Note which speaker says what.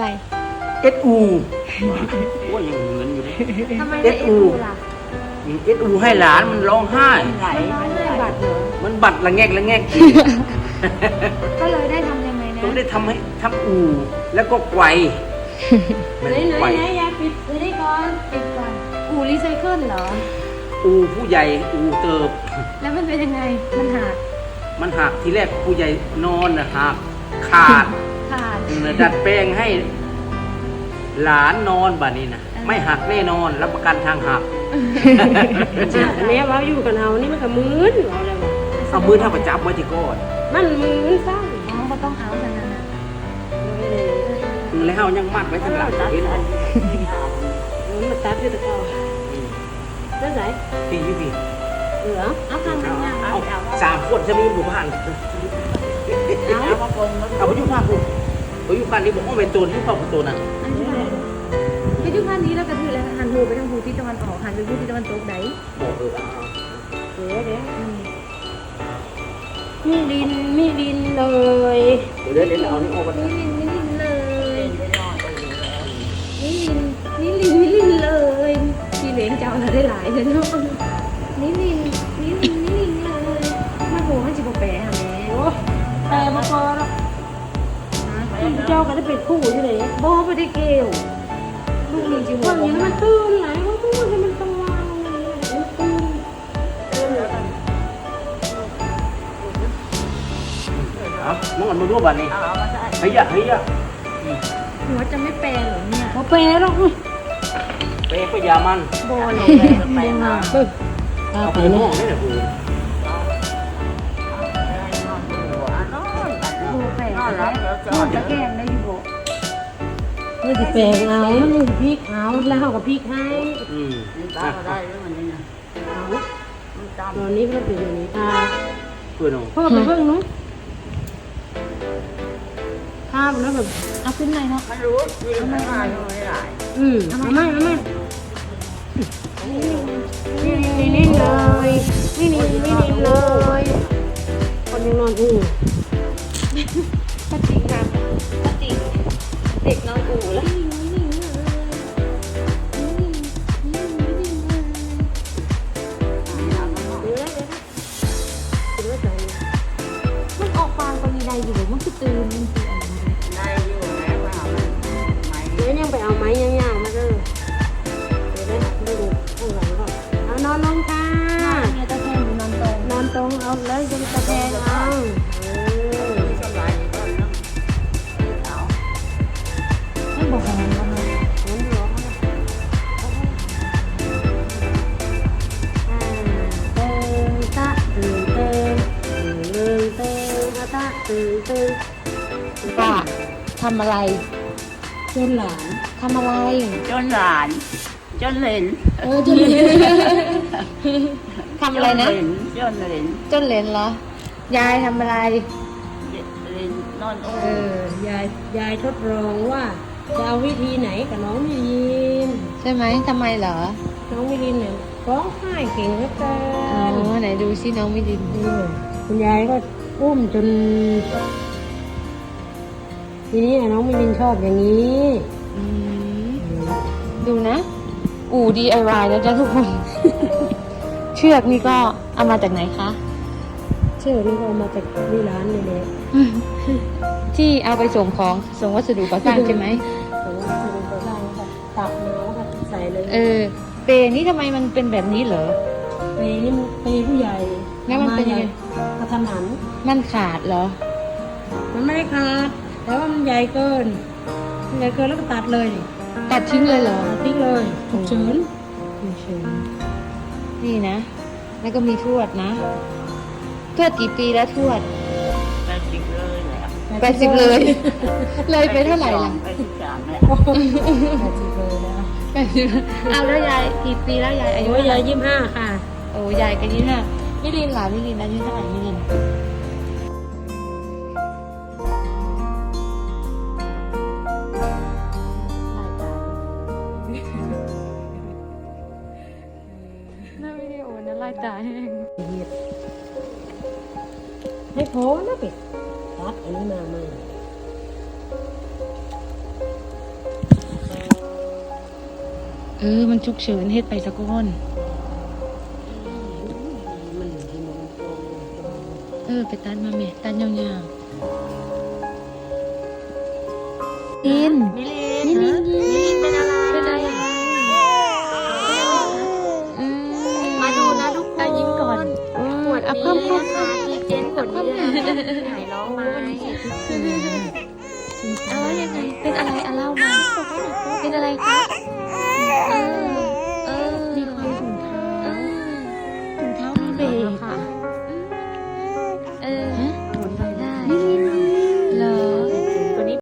Speaker 1: อะไร
Speaker 2: SU ว่ายังเหมือนอยู่เลย
Speaker 1: ทำไมได้ SU ล่ะ
Speaker 2: SU ให้หลานมันร้องไห้
Speaker 3: ไหล
Speaker 1: มันได้บัตรเหรอ
Speaker 2: มันบัดละแงกละแงก
Speaker 1: ก็เลยได้ทำยังไงนะ
Speaker 2: ต้องได้ทำอู่แล้วก็ไกวมันไกว
Speaker 1: ยายปิดนี่ก่อนปิดก่อนอูรีไซเคิลเหรอ
Speaker 2: อู่ผู้ใหญ่อู่เติบ
Speaker 1: แล้วมันเป็นยังไงมันหัก
Speaker 2: มันหักทีแรกผู้ใหญ่นอนนะหักขาด
Speaker 1: ขาด
Speaker 2: ดัดแปลงให้หลานนอนบัดนี้นะไม่หักแน่นอนรับประกันทางหัก
Speaker 3: แม่ว่าอยู่กับเรานี่มันก็มืนเราเลยว่า
Speaker 2: เอามือเท่ากับจับไว้ที่ก้อน
Speaker 3: มันมืนซ้
Speaker 1: อ๋อก็ต้องเอาขนาดนั้น
Speaker 3: ำ
Speaker 2: แล้วยังมัดไว้ทางหลังเห็นไหม
Speaker 3: มันมาตัดที่ตะกอได้ไหน
Speaker 2: พี่พี่
Speaker 3: เหลือ
Speaker 1: เอาข้างนั้นยัง
Speaker 2: เอา3 คนจะมีหมู่บ้านเอาไปอยู่ภาคกูไปอยู่ภาคนี้บอกว่าเป็นตัวที่ภาคตัวน่ะ
Speaker 1: อันนี้อะไรไปดูพันนี้แล้วก็ถือแล้วหันหูไปทางหูทิศตะวันออกหันไปหูทิศตะวันตกไหน
Speaker 2: บอก
Speaker 3: เดี๋ยวมีดินเลย
Speaker 2: เดี๋ยวเอานี่ออกกัน
Speaker 1: นี่ลินเลยนี่ลินเลยพี่เหลนเจ้าเราได้หลายเลยเนาะนี่ลินเลยมาโหมันจะบอกแปะหาแม่
Speaker 3: โอ้แต่มาพอแล้วเจ้าก็ได้เป็นคู่ใช่ไหม
Speaker 1: บอไปได้เกลลูกลินจิ๋ว
Speaker 3: ตอนนี้มันตื่นไหลว่าพูดให้มันต้องวางมันตื่น
Speaker 2: เอามึงอ่านมาดูบ้านนี้เฮีย
Speaker 1: หัวจะไม่แปลเหรอเนี่ย
Speaker 3: พอเปย์แล้ว
Speaker 2: เป๊ะก็ยามัน
Speaker 1: บอหรอแปลมา
Speaker 2: เอาไปห้องนี่แหละกู
Speaker 1: โบแปลแล้วจะแกงได้อยู่โบ
Speaker 3: นี่จะแปลงเอานี่พริกเอาแล้วเขากับพริกให้ ตอนนี้ก็เป็นอย่างนี้ค่ะ
Speaker 2: เพื่อนเอา
Speaker 3: พ่อไปเพิ่งนู้นข้าวแล้วแบบ
Speaker 1: เอาขึ้นไหนเนาะ
Speaker 3: เอาไม่นี่เลยนี่เลยคนยังนอนอู่
Speaker 1: ป้าจิ๋งครับป้าจิ๋งเด็กน้องอู๋แล้วมันออกฟางก็มีใดอยู่มันคือตื่นมันคืออะไร
Speaker 3: เดี๋ยวยังไปเอาไม้ยาวๆมาเด้อเดี๋ยวได้ดูข้างหลังก่อนเอานอนลงค่ะ
Speaker 1: เนี่ยตะแคงอยู่นอนตรง
Speaker 3: นอนตรงเอาเลยจะตะแคงเอา
Speaker 1: ไม่บอกของมันแล้วนะ
Speaker 3: ตื่นเตะตื่นเต้น
Speaker 1: ป้าทำอะไร
Speaker 3: จนหลาน
Speaker 1: ทำอะไร
Speaker 4: จนหลานจนเหลน
Speaker 3: จนเหลน
Speaker 1: ทำอะไรนะ
Speaker 4: จนเหลน
Speaker 1: จนเหรนเหรอ ยายทำอะไร
Speaker 4: เหลนนอนโอ้
Speaker 3: ยายทดลองว่าจะเอาวิธีไหนกับน้องมิลิน
Speaker 1: ใช่ไหมทำไมเหรอ
Speaker 3: น้องมิลินเนี่ยร้องไห้เก่งเหลือเกิ
Speaker 1: อ๋อน ไหนดูซิน้องมิดิน
Speaker 3: คุณยายก็อุ้มจน ทีนี้น้องมิลินชอบอย่างนี้
Speaker 1: อืมดูนะ อู่ DIY แล้วจ้ะทุกคน เชือกนี่ก็เอามาจากไหนคะ
Speaker 3: เชื่อนี่ก็เอามาจากที่ร้านนี่แหละ
Speaker 1: ที่เอาไปส่งของส่งวัสดุก่อสร้างใช่ไหม
Speaker 3: แต่ว่าสรุปก็ได้ค่ะตักน้องค่ะใส่เลย
Speaker 1: เปรนี่ทำไมมันเป็นแบบนี้เหรอ
Speaker 3: เปย์นี่มันเปย์ผู้ใหญ่
Speaker 1: แล้วมันเป็นยังไง
Speaker 3: กระทันหัน
Speaker 1: มันขาดเหรอ
Speaker 3: มันไม่ได้ขาดแต่ว่ามันใหญ่เกินแล้วก็ตัดเลย
Speaker 1: ตัดทิ้งเลยเหรอ
Speaker 3: ตัดทิ้งเลยฉุกเฉิน
Speaker 1: นี่นะ แล้วก็มีทวดนะ ทวดกี่ปีแล้วทวด
Speaker 4: 80เลยแหละ
Speaker 1: 80เลย เลยไปเท่าไหร่ล่ะ
Speaker 4: 83แหละ
Speaker 3: 80เลยนะ
Speaker 1: 80เอาแล้วยายกี่ปีแล้วยายอายุ
Speaker 3: โอ้ย
Speaker 1: เท่าไห
Speaker 3: ยา
Speaker 1: ร่
Speaker 3: ย25ค่ะ
Speaker 1: โอ้ยายก็25มิลินล่ะมิลินอายุเท่าไหร่มิลินน่าวิดีโอนะลายตาแห้ง
Speaker 3: ให้พอนะเป็ดตัดอันนี้มาใหม่มันฉุกเฉินเฮ็ดไปสักก้อนไปตัดมาแม่ตัดยาวๆลินเป็นอะไรมาดูนะทุกคนยิ้มก่อนปวดเพิ่มดีเจนปวดหายร้องไหมเอายังไงเป็นอะไรเล่ามาเป็นอะไรคะ